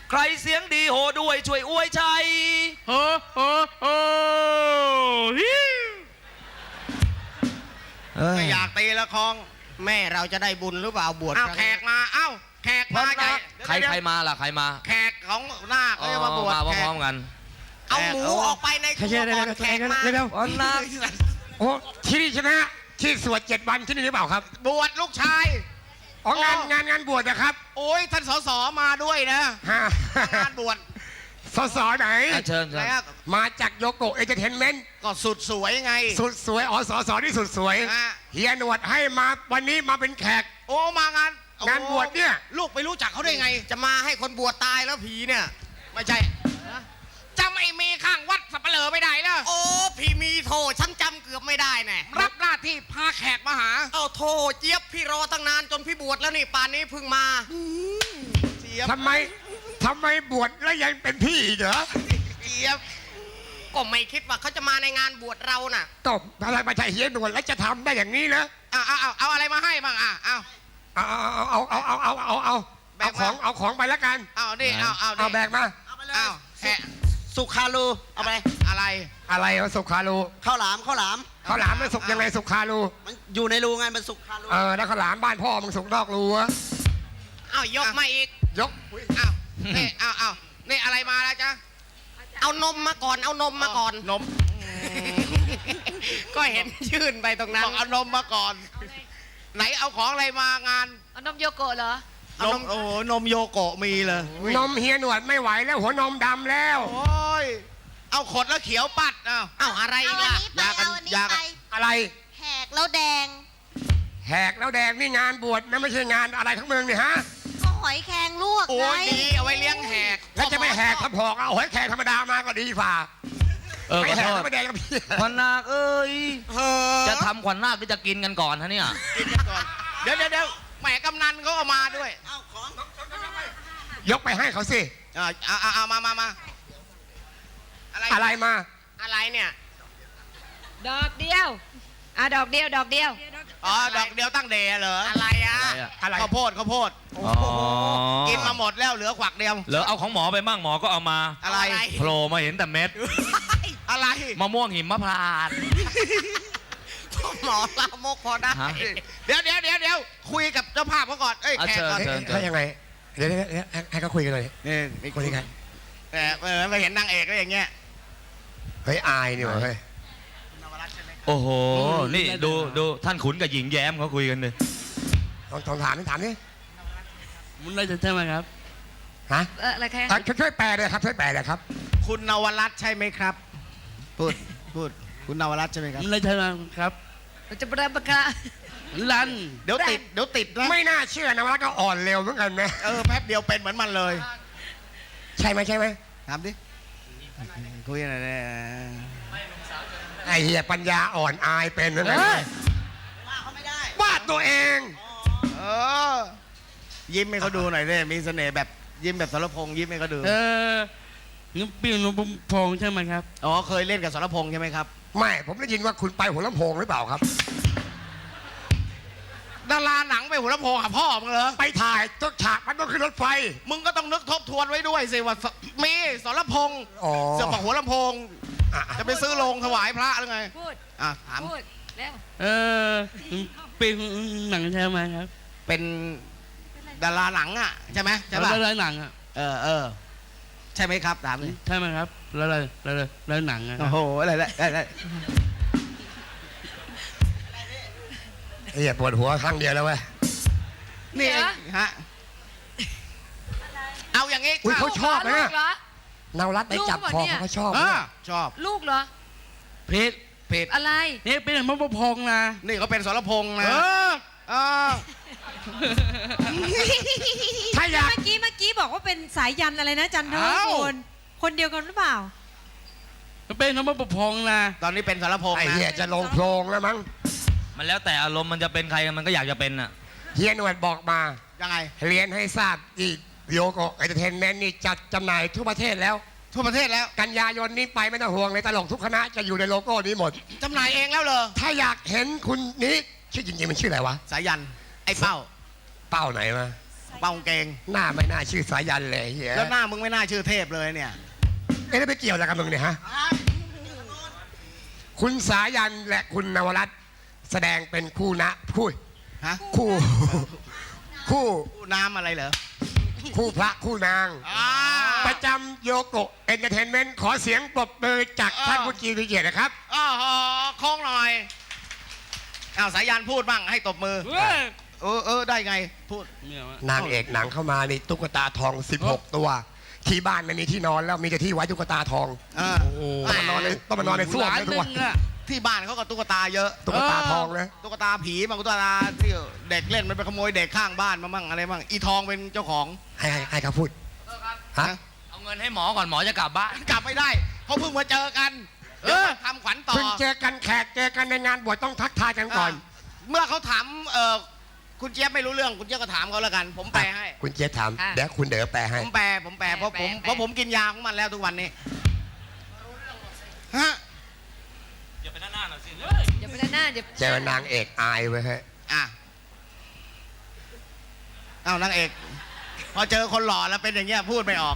ใครเสียงดีโหด้วยช่วยอวยชัยโอ้โอ้โอ้ไม่อยากตีละคองแม่เราจะได้บุญหรือเปล่าบวชเอาแขกมาแขกมาใครมาล่ะใครมาแขกของนาคเขาจะมาบวชมาพร้อมกันเอาหมูออกไปในครัวก่อนแขกมานาคโอ้ที่นี่ใช่ไหมฮะที่สวด7 วันที่นี่หรือเปล่าครับบวชลูกชายอ๋องานบวชนะครับโอ้ยท่านสสมาด้วยนะงานบวชสสไหนเชิญมาจากโยโกะเอเจเทนเมนต์ก็สุดสวยไงสุดสวยอ๋อสสที่สุดสวยเฮียหนวดให้มาวันนี้มาเป็นแขกโอ้มางานบวชเนี่ยลูกไปรู้จักเขาได้ไงจะมาให้คนบวชตายแล้วผีเนี่ยไม่ใช่จำไอ้เมย์ข้างวัดสับเปลือไม่ได้แล้วโอ้พี่มีโทฉันจำเกือบไม่ได้แน่รับหน้าที่พาแขกมาหาเอาโทเจี๊ยบพี่รอตั้งนานจนพี่บวชแล้วนี่ป่านนี้เพิ่งมาทำไมบวชแล้วยังเป็นพี่เหรอเจี๊ยบก็ไม่คิดว่าเขาจะมาในงานบวชเราน่ะตบอะไรมาใช่เฮียหนวดแล้วจะทำได้อย่างนี้นะเอาอะไรมาให้บ้างเอาของไปแล้วกันเอาดิเอาแบกมาเอาสุขารูเอาไปอะไรสุขารูข้าวหลามมันสุกยังไงสุขารูมันอยู่ในรูไงมันสุขารูแล้วข้าวหลามบ้านพ่อมึงสุกนอกรูวะเอายกมาอีกยกเอานี่อะไรมาแล้วจ๊ะเอานมมาก่อนนมก็เห็นยื่นไปตรงนั้นเอานมมาก่อนไหนเอาของอะไรมางานเอานมโยโกะเหรอนมโยโกะมีเลยนมเฮียหนวดไม่ไหวแล้วหัวนมดำแล้วโอ้ยเอาขดแล้วเขียวปัดเอาอะไรอีกล่ะยาอะไรแหกแล้วแดงนี่งานบวชนะไม่ใช่งานอะไรทั้งเมืองนี่ฮะก็หอยแครงลวกโอ้ยดีเอาไว้เลี้ยงแหกแล้วจะไม่แหกทับหอกเอาหอยแครงธรรมดามาก็ดีฝ่าไม่แหกไม่แดงกับพี่ขวัญนาคเอ้ยจะทำขวัญนาคหรือจะกินกันก่อนฮะเนี่ยกินกันก่อนเดี๋ยวแหมกำนันเขาก็มาด้วยเอาของยกไปให้เขาสิเอามาอะไรมาอะไรเนี่ยดอกเดียวดอกเดียวดอกเดียวตั้งเดย์เหรออะไรข้าวโพดกินมาหมดแล้วเหลือขวักเดียวเหลือเอาของหมอไปมั่งหมอก็เอามาอะไรโผล่มาเห็นแต่เม็ดอะไรมะม่วงหิมพานต์หมอลามกพอได้เดี๋ยวคุยกับเจ้าภาพเขาก่อนแขกก่อนเขายังไงเดี๋ยวให้เขาคุยกันเลยนี่คุยกันไปเห็นนางเอกก็อย่างเงี้ยเฮ้ยอายนี่วะเฮ้ยโอ้โหนี่ดูท่านขุนกับหญิงแย้มเขาคุยกันเลยลองถามนี่มันน่าจะใช่ไหมครับฮะอะไรครับช่วยแปลเลยครับคุณนวรัตน์ใช่ไหมครับพูดคุณนวรัตน์ใช่ไหมครับมันน่าจะใช่ครับจะประกาศลันเดี๋ยวติดนะไม่น่าเชื่อนวรัตน์ก็อ่อนเร็วเหมือนกันไหมแป๊บเดียวเป็นเหมือนมันเลยใช่ไหมถามดิคุยอะไรเนี่ยไอเหี้ยปัญญาอ่อนอายเป็นนั่นแหละว่าเขาไม่ได้วาดตัวเองยิ้มให้เขาดูหน่อยเลยมีเสน่ห์แบบยิ้มแบบสรพงษ์ยิ้มให้เขาดูนี่ปีนลำโพงใช่ไหมครับเคยเล่นกับสรพงษ์ใช่ไหมครับไม่ผมได้ยินว่าคุณไปหัวลำโพงหรือเปล่าครับดาราหนังไปหัวลำโพงหาพ่อมึงเหรอไปถ่ายต้นฉากมันต้องขึ้นรถไฟมึงก็ต้องนึกทบทวนไว้ด้วยสิว่ามีสรพงษ์เสือปักหัวลำโพงจะไปซื้อโรงถวายพระหรือไงพูดถามพูดแล้วเป็นหนังใช่ไหมครับเป็นดาราหนังใช่ไหมใช่ป่ะดาราหนังใช่ไหมครับถามเลยใช่ไหมครับแล้วหนังโอ้โหอะไรอย่าปวดหัวครั้งเดียวแล้วเว้ยนี่ฮะเอาอย่างงี้เขาชอบนะนาวรัตไปจับคอเขาชอบลูกเหรอเพจอะไรนี่เป็นมะพร้าวนะนี่เขาเป็นสรพงษ์นะถ้าอยากเมื่อกี้บอกว่าเป็นสายยันอะไรนะจันทร์คนเดียวกันหรือเปล่าเป็นมะพร้าวนะตอนนี้เป็นสรพงษ์ไอ้เหี้ยจะลงโพรงแล้วมั้งมันแล้วแต่อารมณ์มันจะเป็นใครมันก็อยากจะเป็นเฮียหนวดบอกมายังไงเรียนให้ทราบอีกโยโกะเอเจเทนเมนต์นี่จัดจำหน่ายทั่วประเทศแล้วกันยายนนี้ไปไม่ต้องห่วงเลยตลกทุกคณะจะอยู่ในโลโก้นี้หมดจำหน่ายเองแล้วเหรอถ้าอยากเห็นคุณนี้ชื่อจริงๆมันชื่ออะไรวะสายันไอ้เป้าไหนมาเป้ากางเกงหน้าไม่น่าชื่อสายันเลยเฮียแล้วหน้ามึงไม่น่าชื่อเทพเลยเนี่ยเอ๊ะแล้วไปเกี่ยวอะไรกับมึงเนี่ยฮะ คุณสายันและคุณนวรัตน์แสดงเป็นคู่นะคู่ฮะคู่ คู่คู่น้ำอะไรเหรอคู่พระคู่นางอ่าประจำโยโกะเอนเตอร์เทนเมนต์ขอเสียงปรบมือจากท่านผู้กีริเกียรตินะครับอ้าวโค้งหน่อยอ้าวสายันพูดบ้างให้ตบมือเฮ้ยได้ไงพูดไม่เอาอะนางเอกหนังเข้ามานี่ตุ๊กตาทอง 16 ตัว ที่บ้านไม่มีที่นอนแล้วมีแต่ที่ไว้ตุ๊กตาทองโอ้โหต้องมานอนในส้วมล้านเลยหทุกนึ่วันงอะที่บ้านเขาก็ตุ๊กตาเยอะตุ๊กตาทองเลยตุ๊กตาผีบางตุ๊กตาที่เด็กเล่นมันไปขโมยเด็กข้างบ้านมาบ้างอะไรบ้างอีทองเป็นเจ้าของให้เขาพูดฮะเอาเงินให้หมอก่อนหมอจะกลับบ้านกลับไม่ได้เขาเพิ่งมาเจอกันเดี๋ยวมาทำขวัญต่อเพิ่งเจอกันแขกเจอกันในงานบวชต้องทักทายกันก่อนเมื่อเขาถามคุณเจี๊ยบไม่รู้เรื่องคุณเจี๊ยบก็ถามเขาแล้วกัน ผมแปลให้คุณเจี๊ยบถามเดี๋ยวคุณเด๋อแปลให้ผมแปลเพราะผมกินยาของมันแล้วทุกวันนี้ฮะอย่าไปหน้าหน่อยสิอย่าไปด้านหน้าเดี๋ยวเจอนางเอกอายไว้ฮะอ่ะเอานางเอก พอเจอคนหล่อแล้วเป็นอย่างเงี้ยพูดไม่ออก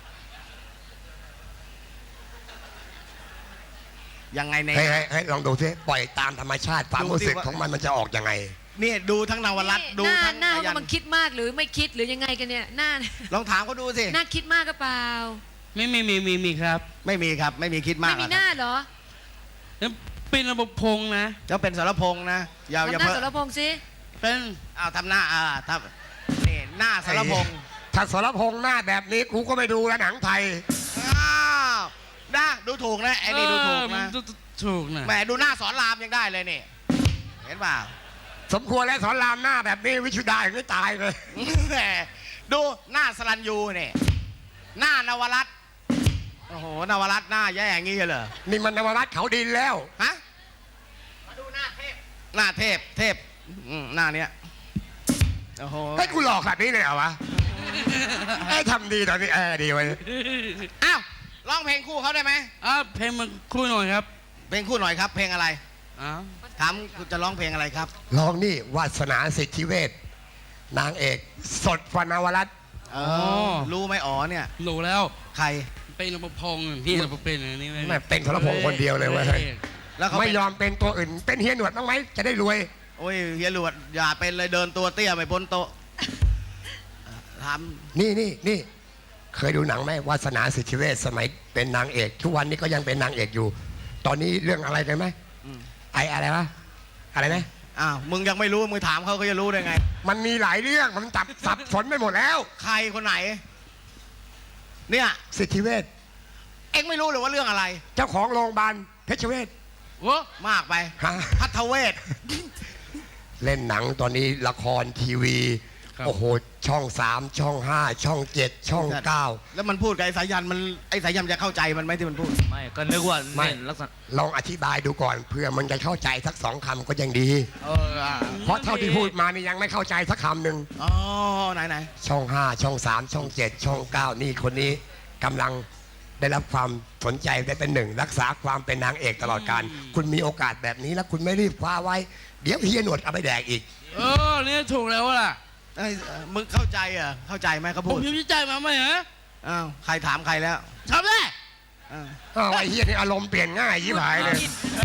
ยังไงเนี่ยให้ลองดูซิปล่อยตามธรรมชาติความรู้สึกของมันจะออกยังไงนี่ดูทั้งนวรัตน์ดูหน้าทั้งหน้าอายัว่าน มันคิดมากหรือไม่คิดหรือยังไงกันเนี่ยหน้าลองถามเขาดูสิหน้าคิดมากก็เปล่าไม่มีครับไม่มีครับ ไม่มีคิดมากไม่มีหน้าเหรอแล้วเป็นระบบพงษ์นะจะเป็นสรพงษ์นะอย่าทำหน้าเพิ่สรพงษ์สิเป็นอ้าวทำหน้าทำนี่หน้าสรพงษ์ถ้าสรพงษ์หน้าแบบนี้กูก็ไม่ดูแล้วหนังไทยอ้าวนะดูถูกนะไอ้นี่ดูถูกมันนะถูกนะแหมดูหน้าสอนรามยังได้เลยนี่เห็นเปล่าสมควรแล้วสอนรามหน้าแบบนี้วิชุดาอย่างนี้ตายเลยแหมดูหน้าสรัญยูเนี่ยหน้านวรัตน์โอ้โหนวรัตน์หน้าแย่อย่างงี้เหรอนี่มันนวรัตน์เขาดินแล้วฮะมาดูหน้าเทพหน้าเทพหน้าเนี้ยโอ้โหให้กูหลอกแบบนี้เลยเหรอวะไอ้ทำดีตอนนี้ดีไว้ยอ้าวร้องเพลงคู่เขาได้ไหมเพลงมันคู่หน่อยครับเพลงคู่หน่อยครับ เพลงอะไรอ้าวถามคุณจะร้องเพลงอะไรครับลองนี่วาสนาสิทธิเวชนางเอกสดฟนวรัตน์รู้ไหมอ๋อเนี่ยรู้แล้วใครเป็นระบบพงษ์พี่ระบบเป็นอันนี้แม่เป็นสรพงษ์คนเดียวเลยเว้ยแล้วเขาไม่เป็นยอมเป็นตัวอื่น เป็นเฮียหนวดบ้างไหมจะได้รวยโอ้ยเฮียหลวดอย่าเป็นเลยเดินตัวเตี้ยไม่พ้นโต๊ะถามนี่เคยดูหนังไหมวาสนาสิทธิเวชสมัยเป็นนางเอกทุกวันนี้ก็ยังเป็นนางเอกอยู่ ตอนนี้เรื่องอะไรกันไหมอะไรวะอะไรนะอ้าวมึงยังไม่รู้มึงถามเขาจะรู้ได้ไงมันมีหลายเรื่องมันจับสับสนไปหมดแล้วใครคนไหน เนี่ยสิทธิเวชเอ็งไม่รู้เลยว่าเรื่องอะไรเจ้าของโรงพยาบาลเพชรเวชโอ้มากไปฮะพัทเวศเล่นหนังตอนนี้ละครทีวี โอ้โห ช่อง 3 ช่อง 5 ช่อง 7 ช่อง 9 แล้วมันพูดกับไอ้สายันมันไอ้สายันจะเข้าใจมันไหมที่มันพูดไม่ก็นึกว่าไม่เล่นลักษณะลองอธิบายดูก่อนเพื่อมันจะเข้าใจสัก2 คำก็ยังดีอ่าเพราะเท่าที่พูดมานี่ยังไม่เข้าใจสักคำหนึ่งอ๋อไหนช่อง 5 ช่อง 3 ช่อง 7 ช่อง 9 นี่คนนี้กำลังได้รับความสนใจได้เป็นหนึ่งรักษาความเป็นนางเอกตลอดการคุณมีโอกาสแบบนี้แล้วคุณไม่รีบคว้าไว้ เดี๋ยวเฮียหนวดเอาไปแดกอีกเนี่ยถูกแล้วล่ะไอ้มึงเข้าใจเหรอเข้าใจไหมเขาผพูมดพิมพ์ใจมาไหมฮะอ้าวใครถามใครแล้วทำได้อ้าวอ้าวไอ้เฮียนี่อารมณ์เปลี่ยนง่ายยิ่งหายเลย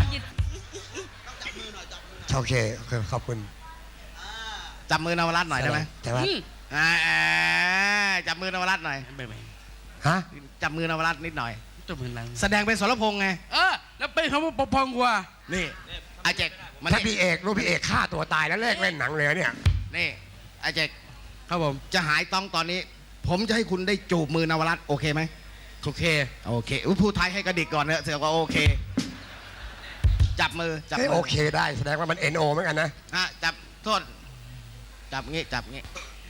โอเคขอบคุณจับมือนวรัตน์หน่อยได้ไหมแต่ว่าจับมือนวรัตน์หน่อยไม่ฮะจับมือนวรัตน์นิดหน่อยจะเป็นไรแสดงเป็นสรพงษ์ไงแล้วเป็นคำว่าปกพองกว่านี่ไอเจกมันถ้าพี่เอกรู้พี่เอกฆ่าตัวตายแล้วเลิกเล่นหนังเลยเนี่ยนี่ไอเจกครับผมจะหายต้องตอนนี้ ผมจะให้คุณได้จูบมือนวรัตน์โอเคไหมโอเคโอเคพูดไทยให้กระดิกก่อนเนอะเสียก็โอเค จับมือจับเอ้ยมืโอเคได้แสดงว่ามัน NO เหมือนกันนะจับโทษจับงี้จับงี้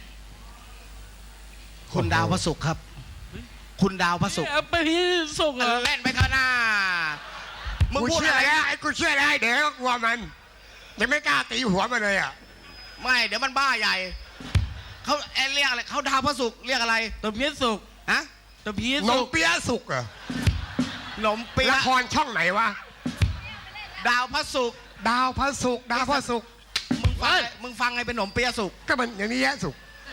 คุณดาวพระศุกร์ครับ คุณดาวพระศุกร์ไปพี่ส่งเหรอเล่นไปเถอะนะมึงกูพูดเชื่ออะไรแล้วไอ้กูเชื่อแล้วไอ้เดี๋ยวก็กลัวมันยังไม่กล้าตีหัวมันเลยอ่ะไม่เดี๋ยวมันบ้าใหญ่เขาเรียกอะไรเขาดาวพระศุกร์เรียกอะไรตัวเพี้ยสุกฮะตัวเพี้ยนสุมกเปี๊ยะสุกเหรอขนมเปี๊ยะละครช่องไหนวะดาวพระศุกร์ดาวพระศุกร์ดาวพระศุกร์มึงฟังไงเป็นขนมเปี๊ยะศุกร์ก็มันอย่างนี้แยะศุกร์ฟ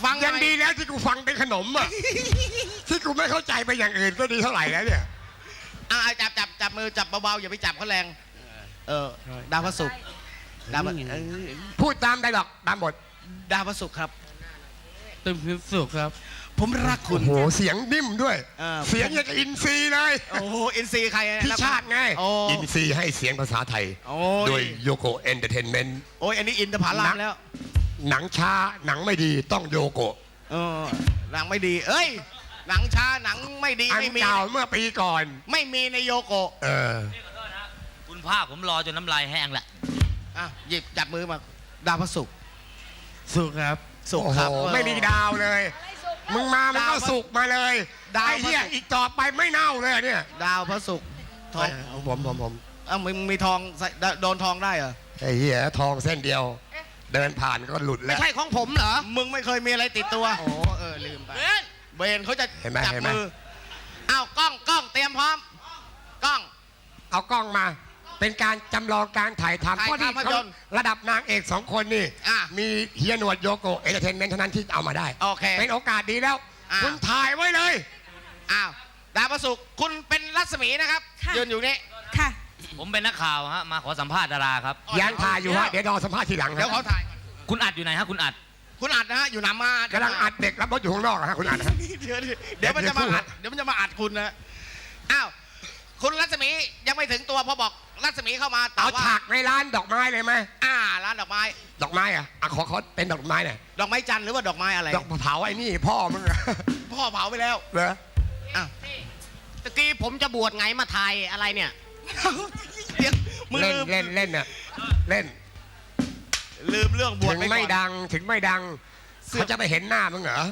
ฟังยังดีแล้วที่กูฟังเป็นขนมอ่ะ ที่กูไม่เข้าใจไปอย่างอื่นก็ดีเท่าไหร่แล้วเนี่ยจับมือจับเบาๆอย่าไปจับเขาแรงดาวพระศุกร์ดาวพระพูดตามได้หรอกตามบทดาวพระศุกร์ครับเต็มพิสุขครับผมรักคุโอ้ณโหเสียงนิ่มด้วยเเสียงอย่างกับอินซีย์เลยโอ้โหอินซีใครพี่ชาติไงโอ้อินซีย์ให้เสียงภาษาไทยโอ้โดยโยโกเอนเตอร์เทนเมนต์โอ้ยอันนี้อินทผลัมแล้วหนังช้าหนังไม่ดีต้องโยโกะหนังไม่ดี เอ้ย หนังช้าหนังไม่ดีอันไม่มีเก่าเมื่อปีก่อนไม่มีในโยโกะเออคุณภาคผมรอจนน้ำลายแห้งแหละหยิบจับมือมาดาวพระศุกร์สุขครับศุกโอ้ร์โหครับไม่มีดาวเลย มึงมามึงก็สุกมาเลยดาวไอ้เหี้ยอีกต่อไปไม่เน่าเลยเนี่ยดาวพระศุกร์ทองผมมึงมีทองใส่โดนทองได้เหรอไอ้เหี้ยทองเส้นเดียว เดินผ่านก็หลุดไม่แล้วใช่ของผมเหรอ มึงไม่เคยมีอะไรติดตัวโอ้ลืมไปเบนเขาจะเห็นไหมจับเห็นไหมมืออ้าวกล้องเตรียมพร้อมกล้องเอากล้องมา เป็นการจำลองการถ่ายทำถ่ายเพราะนี่ภาพเขายนตร์ระดับนางเอกสองคนนี่อ่ะมีเฮียหนวดโยโกเอนเตอร์เทนเมนต์เท่านั้นที่เอามาได้โอเคเป็นโอกาสดีแล้วอ่ะคุณถ่ายไว้เลยอ้าวดาวพระศุกร์คุณเป็นรัศมีนะครับค่ะยืนอยู่นี่ค่ะผมเป็นนักข่าวฮะมาขอสัมภาษณ์ดาราครับยังถ่ายอยู่ฮะเดี๋ยวรอสัมภาษณ์ทีหลังเดี๋ยวฮะเขาถ่ายก่อนคุณอัดอยู่ไหนฮะคุณอัดคุณอัดนะฮะอยู่หนามากำลังอัดเด็กรับรถอยู่ข้างนอกอะฮะคุณอัดฮะเดี๋ยวมันจะมาอัดเดี๋ยวมันจะมาอัดคุณนะอ้าวคุณรัศมียังไม่ถึงตัวพอบอกรัศมีเข้ามาแต่เอาว่าฉากในร้านดอกไม้เลยไหมร้านดอกไม้ดอกไม้อะขอเป็นดอกไม้หน่อยดอกไม้จันทร์หรือว่าดอกไม้อะไรดอกเผาไอ้นี่พ่อมึงอะพ่อเผาไปแล้วเหรออ้าวตะกี้ผมจะบวชไงมาถ่ายอะไรเนี่ยเดี๋ยวมึงเล่นลืมเล่นเล่นอะเล่นลืมเรื่องบวชถึงไปก่อนไม่ดังถึงไม่ดังเขาจะไปเห็นหน้ามึงเหรอ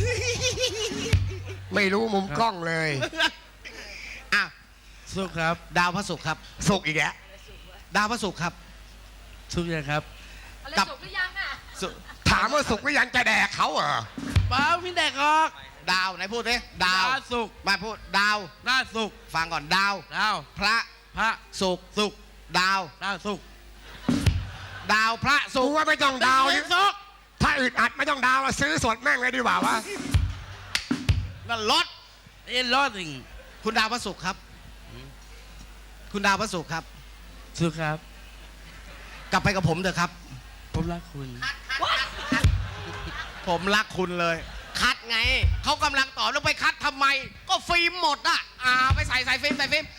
ไม่รู้มุมกล้องเลยอ่ะสุขครับดาวพระศุกร์ครับสุกอีกแล้วดาวพระศุกร์ครับสุขยังครับกับศุกร์ถามว่าสุกหรือยังจะแดกเขาเหรอเปล่าพี่แดกออกดาวไหนพูดดิดาวสุขมาพูดดาวหน้าสุขฟังก่อนดาวดาวพระพระศุกร์สุขดาวหน้าสุขดาวพระศุกูกร์ว่าไม่ต้องดาวศุกร์ถ้าอึดอัดไม่ต้องดาวอะซื้อสดแม่งเลยดีกว่าวะนั่นรถเอ็นรอดสิงคุณดาวพระศุกร์ครับ คุณดาวพระศุกร์ครับสุขครับกลับไปกับผมเถอะครับผมรักคุณผมรักคุณเลย คัดไง เขากำลังตอบแล้วไปคัดทำไม ก็ฟิล์มหมดอ่ะไปใส่ฟิล์ม